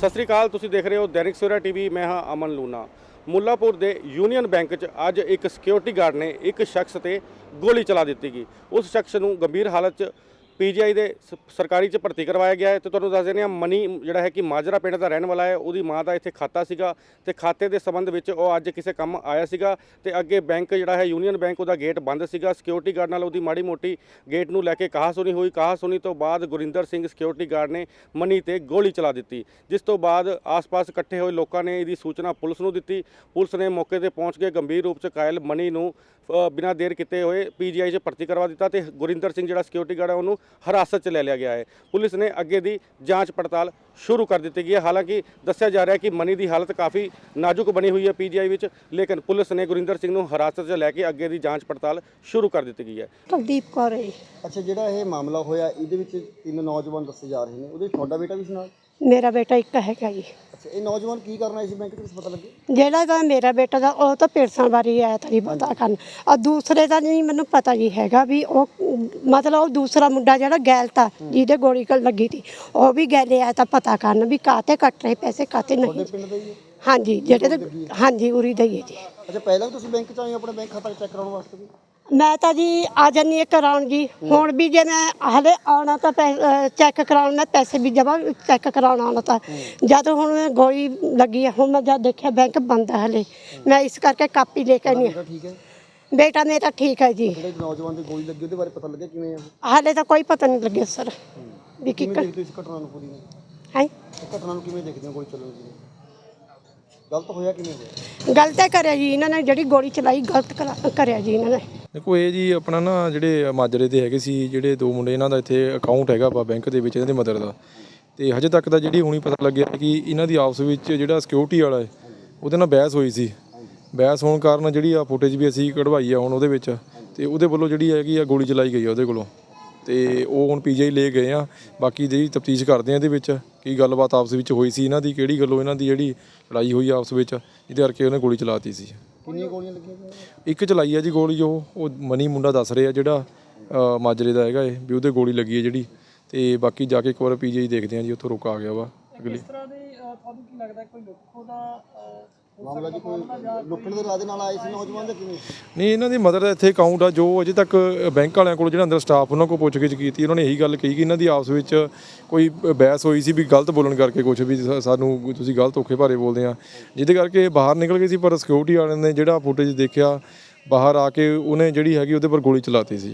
ਸਤਿ ਸ੍ਰੀ ਅਕਾਲ, ਤੁਸੀਂ ਦੇਖ ਰਹੇ ਹੋ ਦੈਨਿਕ ਸਵੇਰਾ ਟੀਵੀ। ਮੈਂ ਹਾਂ ਅਮਨ ਲੂਨਾ। ਮੁੱਲਾਪੁਰ ਦੇ ਯੂਨੀਅਨ ਬੈਂਕ 'ਚ ਅੱਜ ਇੱਕ ਸਿਕਿਉਰਿਟੀ ਗਾਰਡ ਨੇ ਇੱਕ ਸ਼ਖਸ ਤੇ ਗੋਲੀ ਚਲਾ ਦਿੱਤੀ ਗਈ। ਉਸ ਸ਼ਖਸ ਨੂੰ ਗੰਭੀਰ ਹਾਲਤ 'ਚ ਪੀਜੀਆਈ ਦੇ ਸਰਕਾਰੀ 'ਚ ਭਰਤੀ ਕਰਵਾਇਆ ਗਿਆ ਹੈ। ਤੇ ਤੁਹਾਨੂੰ ਦੱਸ ਦਿੰਦੇ ਹਾਂ, ਮਨੀ ਜਿਹੜਾ ਹੈ ਕਿ ਮਾਜਰਾ ਪਿੰਡ ਦਾ ਰਹਿਣ ਵਾਲਾ ਹੈ। ਉਹਦੀ ਮਾਂ ਦਾ ਇੱਥੇ ਖਾਤਾ ਸੀਗਾ ਤੇ ਖਾਤੇ ਦੇ ਸੰਬੰਧ ਵਿੱਚ ਉਹ ਅੱਜ ਕਿਸੇ ਕੰਮ ਆਇਆ ਸੀਗਾ ਤੇ ਅੱਗੇ ਬੈਂਕ ਜਿਹੜਾ ਹੈ ਯੂਨੀਅਨ ਬੈਂਕ, ਉਹਦਾ ਗੇਟ ਬੰਦ ਸੀਗਾ। ਸਿਕਿਉਰਿਟੀ ਗਾਰਡ ਨਾਲ ਉਹਦੀ ਮਾੜੀ ਮੋਟੀ ਗੇਟ ਨੂੰ ਲੈ ਕੇ ਕਹਾਸੁਣੀ ਹੋਈ। ਕਹਾਸੁਣੀ ਤੋਂ ਬਾਅਦ ਗੁਰਿੰਦਰ ਸਿੰਘ ਸਿਕਿਉਰਿਟੀ ਗਾਰਡ ਨੇ ਮਨੀ ਤੇ ਗੋਲੀ ਚਲਾ ਦਿੱਤੀ, ਜਿਸ ਤੋਂ ਬਾਅਦ ਆਸ-ਪਾਸ ਇਕੱਠੇ ਹੋਏ ਲੋਕਾਂ ਨੇ ਇਹਦੀ ਸੂਚਨਾ ਪੁਲਿਸ ਨੂੰ ਦਿੱਤੀ। ਪੁਲਿਸ ਨੇ ਮੌਕੇ ਤੇ ਪਹੁੰਚ ਕੇ ਗੰਭੀਰ ਰੂਪ 'ਚ ਘਾਇਲ ਮਨੀ ਨੂੰ ਬਿਨਾਂ ਦੇਰ ਕੀਤੇ ਹੋਏ ਪੀਜੀਆਈ 'ਚ ਭਰਤੀ ਕਰਵਾ ਦਿੱਤਾ ਤੇ ਗੁਰਿੰਦਰ ਸਿੰਘ ਜਿਹੜਾ ਸਿਕਿਉਰਿਟੀ ਗਾਰਡ ਹੈ ਉਹਨੂੰ ਹਿਰਾਸਤ 'ਚ ਲੈ ਲਿਆ ਗਿਆ ਹੈ। ਪੁਲਿਸ ਨੇ ਅੱਗੇ ਦੀ ਜਾਂਚ ਪੜਤਾਲ ਸ਼ੁਰੂ ਕਰ ਦਿੱਤੀ ਗਈ ਹੈ। ਹਾਲਾਂਕਿ ਦੱਸਿਆ ਜਾ ਰਿਹਾ ਹੈ ਕਿ ਮਨੀ ਦੀ ਹਾਲਤ ਕਾਫੀ ਨਾਜ਼ੁਕ ਬਣੀ ਹੋਈ ਹੈ ਪੀਜੀਆਈ ਵਿੱਚ, ਲੇਕਿਨ ਪੁਲਿਸ ਨੇ ਗੁਰਿੰਦਰ ਸਿੰਘ ਨੂੰ ਹਿਰਾਸਤ 'ਚ ਲੈ ਕੇ ਅੱਗੇ ਦੀ ਜਾਂਚ ਪੜਤਾਲ ਸ਼ੁਰੂ ਕਰ ਦਿੱਤੀ ਗਈ ਹੈ। ਕੁਲਦੀਪ ਕੌਰ ਹੈ। ਅੱਛਾ, ਜਿਹੜਾ ਇਹ ਮਾਮਲਾ ਹੋਇਆ ਇਹਦੇ ਵਿੱਚ 3 ਨੌਜਵਾਨ ਦੱਸੇ ਜਾ ਰਹੇ ਨੇ, ਉਹਦੇ ਵਿੱਚ ਤੁਹਾਡਾ ਬੇਟਾ ਵੀ ਸੀ ਨਾਲ? ਮੇਰਾ ਬੇਟਾ ਇੱਕ ਹੈਗਾ ਜੀ। ਅੱਛਾ, ਇਹ ਨੌਜਵਾਨ ਕੀ ਕਰਨਾ ਇਸ ਬੈਂਕ 'ਚ ਕੁਛ ਪਤਾ ਲੱਗੇ? ਜਿਹੜਾ ਤਾਂ ਮੇਰਾ ਬੇਟਾ ਦਾ ਉਹ ਤਾਂ ਪੇਰਸਾਂ ਬਾਰੇ ਆਇਆ ਤਾਂ ਨਹੀਂ ਪਤਾ ਕਰਨ, ਔਰ ਦੂਸਰੇ ਦਾ ਨਹੀਂ ਮੈਨੂੰ ਪਤਾ ਜੀ ਹੈਗਾ ਵੀ ਉਹ ਮਤਲਬ ਉਹ ਦੂਸਰਾ ਮੁੰਡਾ ਜਿਹੜਾ ਗੈਲ ਤਾ ਜਿਹਦੇ ਗੋਲੀ ਲੱਗੀ ਸੀ, ਉਹ ਵੀ ਗੈਲੇ ਆਇਆ ਤਾਂ ਪਤਾ ਕਰਨ ਵੀ ਕਾਤੇ ਕੱਟ ਰਹੇ ਪੈਸੇ ਕਾਤੇ ਨਹੀਂ। ਤੁਹਾਡੇ ਪਿੰਡ ਦਾ ਹੀ ਹੈ? ਹਾਂਜੀ, ਜਿਹੜੇ ਹਾਂਜੀ ਉਰੀ ਦਾ ਹੀ ਹੈ ਜੀ। ਅੱਛਾ, ਪਹਿਲਾਂ ਵੀ ਤੁਸੀਂ ਬੈਂਕ 'ਚ ਆਏ ਆਪਣਾ ਬੈਂਕ ਖਾਤਾ ਚੈੱਕ ਕਰਾਉਣ ਵਾਸਤੇ ਵੀ? ਮੈਂ ਤਾਂ ਜੀ ਆ ਜਾਂਦੀ ਹਾਂ ਕਰਾਉਣ ਜੀ। ਹੁਣ ਵੀ ਜੇ ਮੈਂ ਹਲੇ ਆਉਣਾ ਤਾਂ ਚੈੱਕ ਕਰਾਉਣ, ਮੈਂ ਪੈਸੇ ਵੀ ਜਮ੍ਹਾਂ ਚੈੱਕ ਕਰਾਉਣ ਆਉਣਾ ਤਾਂ ਜਦ ਹੁਣ ਗੋਲੀ ਲੱਗੀ ਹੈ। ਹੁਣ ਮੈਂ ਜਦ ਦੇਖਿਆ ਬੈਂਕ ਬੰਦ ਹੈ ਹਲੇ, ਮੈਂ ਇਸ ਕਰਕੇ ਕਾਪੀ ਲੈ ਕੇ ਨਹੀਂ। ਠੀਕ ਹੈ, ਬੇਟਾ ਮੇਰਾ ਠੀਕ ਹੈ ਜੀ। ਜਿਹੜੇ ਨੌਜਵਾਨ ਦੀ ਗੋਲੀ ਲੱਗੀ ਉਹਦੇ ਬਾਰੇ ਪਤਾ ਲੱਗਿਆ ਕਿਵੇਂ ਆ? ਹਾਲੇ ਤਾਂ ਕੋਈ ਪਤਾ ਨਹੀਂ ਲੱਗਿਆ ਸਰ ਵੀ ਕੀ ਕਿਵੇਂ ਦੇਖਦੇ ਹੋ ਇਸ ਘਟਨਾ ਨੂੰ ਪੂਰੀ ਨੂੰ? ਹੈ ਇਸ ਘਟਨਾ ਨੂੰ ਕਿਵੇਂ ਦੇਖਦੇ ਹੋ? ਗੋਲੀ ਚੱਲਣ ਦੀ ਗਲਤ ਹੋਇਆ ਕਿਵੇਂ ਹੋਇਆ? ਗਲਤ ਕਰਿਆ ਜੀ ਇਹਨਾਂ ਨੇ, ਜਿਹੜੀ ਗੋਲੀ ਚਲਾਈ ਗਲਤ ਕਰਿਆ ਜੀ ਇਹਨਾਂ ਨੇ। ਦੇਖੋ ਇਹ ਜੀ ਆਪਣਾ ਨਾ ਜਿਹੜੇ ਮਾਜਰੇ ਦੇ ਹੈਗੇ ਸੀ ਜਿਹੜੇ 2 ਮੁੰਡੇ, ਇਹਨਾਂ ਦਾ ਇੱਥੇ ਅਕਾਊਂਟ ਹੈਗਾ ਵਾ ਬੈਂਕ ਦੇ ਵਿੱਚ, ਇਹਨਾਂ ਦੇ ਮਦਰ ਦਾ। ਤੇ ਹਜੇ ਤੱਕ ਤਾਂ ਜਿਹੜੀ ਹੁਣੀ ਪਤਾ ਲੱਗਿਆ ਕਿ ਇਹਨਾਂ ਦੀ ਆਪਸ ਵਿੱਚ ਜਿਹੜਾ ਸਿਕਿਉਰਿਟੀ ਵਾਲਾ ਹੈ ਉਹਦੇ ਨਾਲ ਬਹਿਸ ਹੋਈ ਸੀ। ਬਹਿਸ ਹੋਣ ਕਾਰਨ ਜਿਹੜੀ ਆ ਫੁਟੇਜ ਵੀ ਅਸੀਂ ਕਢਵਾਈ ਆ ਹੁਣ ਉਹਦੇ ਵਿੱਚ, ਤੇ ਉਹਦੇ ਵੱਲੋਂ ਜਿਹੜੀ ਹੈਗੀ ਆ ਗੋਲੀ ਚਲਾਈ ਗਈ ਆ ਉਹਦੇ ਕੋਲੋਂ। ਤੇ ਉਹ ਹੁਣ ਪੀਜੀਆਈ ਲੈ ਗਏ ਆ। ਬਾਕੀ ਜਿਹੜੀ ਤਫਤੀਸ਼ ਕਰਦੇ ਆ ਇਹਦੇ ਵਿੱਚ ਕੀ ਗੱਲਬਾਤ ਆਪਸ ਵਿੱਚ ਹੋਈ ਸੀ ਇਹਨਾਂ ਦੀ, ਕਿਹੜੀ ਗੱਲੋਂ ਇਹਨਾਂ ਦੀ ਜਿਹੜੀ ਲੜਾਈ ਹੋਈ ਆਪਸ ਵਿੱਚ, ਜਿਹਦੇ ਕਰਕੇ ਉਹਨੇ ਗੋਲੀ ਚਲਾਤੀ ਸੀ। ਕਿੰਨੀਆਂ ਗੋਲੀਆਂ ਲੱਗੀਆਂ? ਇੱਕ ਚਲਾਈ ਆ ਜੀ ਗੋਲੀ, ਉਹ ਮਨੀ ਮੁੰਡਾ ਦੱਸ ਰਿਹਾ ਜਿਹੜਾ ਮਾਜਰੇ ਦਾ ਹੈਗਾ ਇਹ ਵੀ ਉਹਦੇ ਗੋਲੀ ਲੱਗੀ ਹੈ ਜਿਹੜੀ। ਤੇ ਬਾਕੀ ਜਾ ਕੇ ਇੱਕ ਵਾਰ ਪੀਜੀਆਈ ਦੇਖਦੇ ਆ ਜੀ, ਉੱਥੋਂ ਰੁਕ ਆ ਗਿਆ ਵਾ ਅਗਲੀ। ਇਸ ਤਰ੍ਹਾਂ ਦੇ ਤੁਹਾਨੂੰ ਕੀ ਲੱਗਦਾ ਕੋਈ ਲੁੱਟਖੋ ਦਾ ਮਾਮਲਾ ਜੀ? ਕੋਈ ਲੁੱਟਣ ਦੇ ਇਰਾਦੇ ਨਾਲ ਆਏ ਸੀ ਨੌਜਵਾਨ ਜਾਂ ਕਿਵੇਂ? ਨਹੀਂ, ਇਹਨਾਂ ਦੀ ਮਦਰ ਦਾ ਇੱਥੇ ਅਕਾਊਂਟ ਆ। ਜੋ ਅਜੇ ਤੱਕ ਬੈਂਕ ਵਾਲਿਆਂ ਕੋਲ ਜਿਹੜਾ ਅੰਦਰ ਸਟਾਫ ਉਹਨਾਂ ਕੋਲ ਪੁੱਛਗਿੱਛ ਕੀਤੀ, ਉਹਨਾਂ ਨੇ ਇਹੀ ਗੱਲ ਕਹੀ ਕਿ ਇਹਨਾਂ ਦੀ ਆਪਸ ਵਿੱਚ ਕੋਈ ਬਹਿਸ ਹੋਈ ਸੀ ਵੀ ਗਲਤ ਬੋਲਣ ਕਰਕੇ, ਕੁਛ ਵੀ ਸਾਨੂੰ ਤੁਸੀਂ ਗਲਤ ਔਖੇ ਭਾਰੇ ਬੋਲਦੇ ਆ, ਜਿਹਦੇ ਕਰਕੇ ਬਾਹਰ ਨਿਕਲ ਗਏ ਸੀ। ਪਰ ਸਿਕਿਉਰਿਟੀ ਵਾਲਿਆਂ ਨੇ ਜਿਹੜਾ ਫੁਟੇਜ ਦੇਖਿਆ ਬਾਹਰ ਆ ਕੇ, ਉਹਨੇ ਜਿਹੜੀ ਹੈਗੀ ਉਹਦੇ ਪਰ ਗੋਲੀ ਚਲਾਤੀ ਸੀ।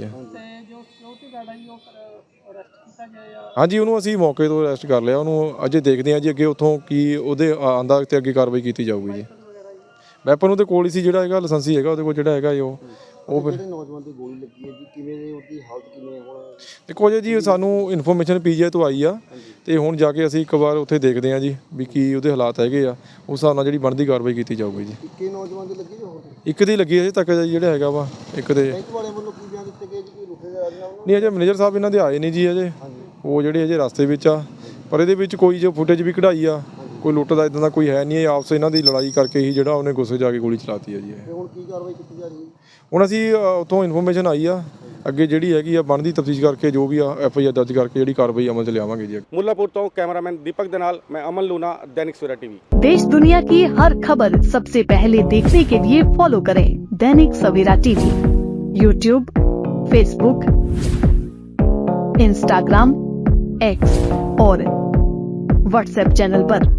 ਹਾਂਜੀ, ਉਹਨੂੰ ਅਸੀਂ ਮੌਕੇ ਤੋਂ ਅਰੈਸਟ ਕਰ ਲਿਆ। ਉਹਨੂੰ ਅਜੇ ਦੇਖਦੇ ਹਾਂ ਜੀ ਅੱਗੇ ਉੱਥੋਂ ਕੀ ਉਹਦੇ ਆਂਦਾ ਤੇ ਅੱਗੇ ਕਾਰਵਾਈ ਕੀਤੀ ਜਾਊਗੀ ਜੀ। ਵੈਪਨ ਉਹਦੇ ਕੋਲ ਹੀ ਸੀ, ਜਿਹੜਾ ਹੈਗਾ ਲਾਇਸੈਂਸੀ ਹੈਗਾ ਉਹਦੇ ਕੋਲ, ਜਿਹੜਾ ਹੈਗਾ ਉਹ ਫਿਰ। ਜਿਹੜੇ ਨੌਜਵਾਨ ਦੀ ਗੋਲੀ ਲੱਗੀ ਹੈ ਜੀ, ਕਿਵੇਂ ਦੀ ਉਹਦੀ ਹਾਲਤ ਕਿਵੇਂ ਹੁਣ? ਦੇਖੋ ਜੀ ਸਾਨੂੰ ਇਨਫੋਰਮੇਸ਼ਨ ਪੀਜੀਆਈ ਤੋਂ ਆਈ ਆ, ਤੇ ਹੁਣ ਜਾ ਕੇ ਅਸੀਂ ਇੱਕ ਵਾਰ ਉੱਥੇ ਦੇਖਦੇ ਹਾਂ ਜੀ ਵੀ ਕੀ ਉਹਦੇ ਹਾਲਾਤ ਹੈਗੇ ਆ। ਉਸ ਹਿਸਾਬ ਨਾਲ ਜਿਹੜੀ ਬਣਦੀ ਕਾਰਵਾਈ ਕੀਤੀ ਜਾਊਗੀ ਜੀ। ਇੱਕੇ ਨੌਜਵਾਨ ਦੀ ਲੱਗੀ ਜਾਂ ਹੋਰ? ਇੱਕ ਦੀ ਲੱਗੀ ਅਜੇ ਤੱਕ ਜਿਹੜਾ ਹੈਗਾ ਵਾ ਇੱਕ ਦੇ। ਬੈਂਕ ਵਾਲਿਆਂ ਵੱਲੋਂ ਕੀ ਬਿਆਨ ਦਿੱਤੇ ਗਏ ਜੀ? ਕੋਈ ਰੁਕੇ ਦੇ ਇਰਾਦੇ ਨਾਲ? ਨਹੀਂ, ਅਜੇ ਮੈਨੇਜਰ ਸਾਹਿਬ ਇਹਨਾਂ ਦੇ ਆਏ ਨਹੀਂ ਜੀ ਅਜੇ, ਉਹ ਜਿਹੜੇ ਅਜੇ ਰਸਤੇ ਵਿੱਚ ਆ। ਪਰ ਇਹਦੇ ਵਿੱਚ ਕੋਈ ਜੋ ਫੁਟੇਜ ਵੀ ਕਢਾਈ ਆ, ਕੋਈ ਲੁੱਟ ਦਾ ਇਦਾਂ ਦਾ ਕੋਈ ਹੈ ਨਹੀਂ। ਆਪਸ ਇਹਨਾਂ ਦੀ ਲੜਾਈ ਕਰਕੇ ਹੀ ਜਿਹੜਾ ਉਹਨੇ ਗੁੱਸੇ ਜਾ ਕੇ ਗੋਲੀ ਚਲਾਤੀ ਹੈ ਜੀ। ਤੇ ਹੁਣ ਕੀ ਕਾਰਵਾਈ ਕੀਤੀ ਜਾ ਰਹੀ ਹੈ? ਹੁਣ ਅਸੀਂ ਉੱਥੋਂ ਇਨਫੋਰਮੇਸ਼ਨ ਆਈ ਆ, ਅੱਗੇ ਜਿਹੜੀ ਹੈਗੀ ਆ ਬਣਦੀ ਤਫਤੀਸ਼ ਕਰਕੇ ਜੋ ਵੀ ਆ FIR ਦਰਜ ਕਰਕੇ ਜਿਹੜੀ ਕਾਰਵਾਈ ਅਮਲ 'ਚ ਲਿਆਵਾਂਗੇ ਜੀ। ਮੁੱਲਾਪੁਰ ਤੋਂ ਕੈਮਰਾਮੈਨ ਦੀਪਕ ਦੇ ਨਾਲ ਮੈਂ ਅਮਨ ਲੂਨਾ, दैनिक सवेरा टीवी। देश दुनिया की हर खबर सबसे पहले देखने के लिए फॉलो करें Dainik Savera TV, YouTube, Facebook, Instagram, X और WhatsApp चैनल पर।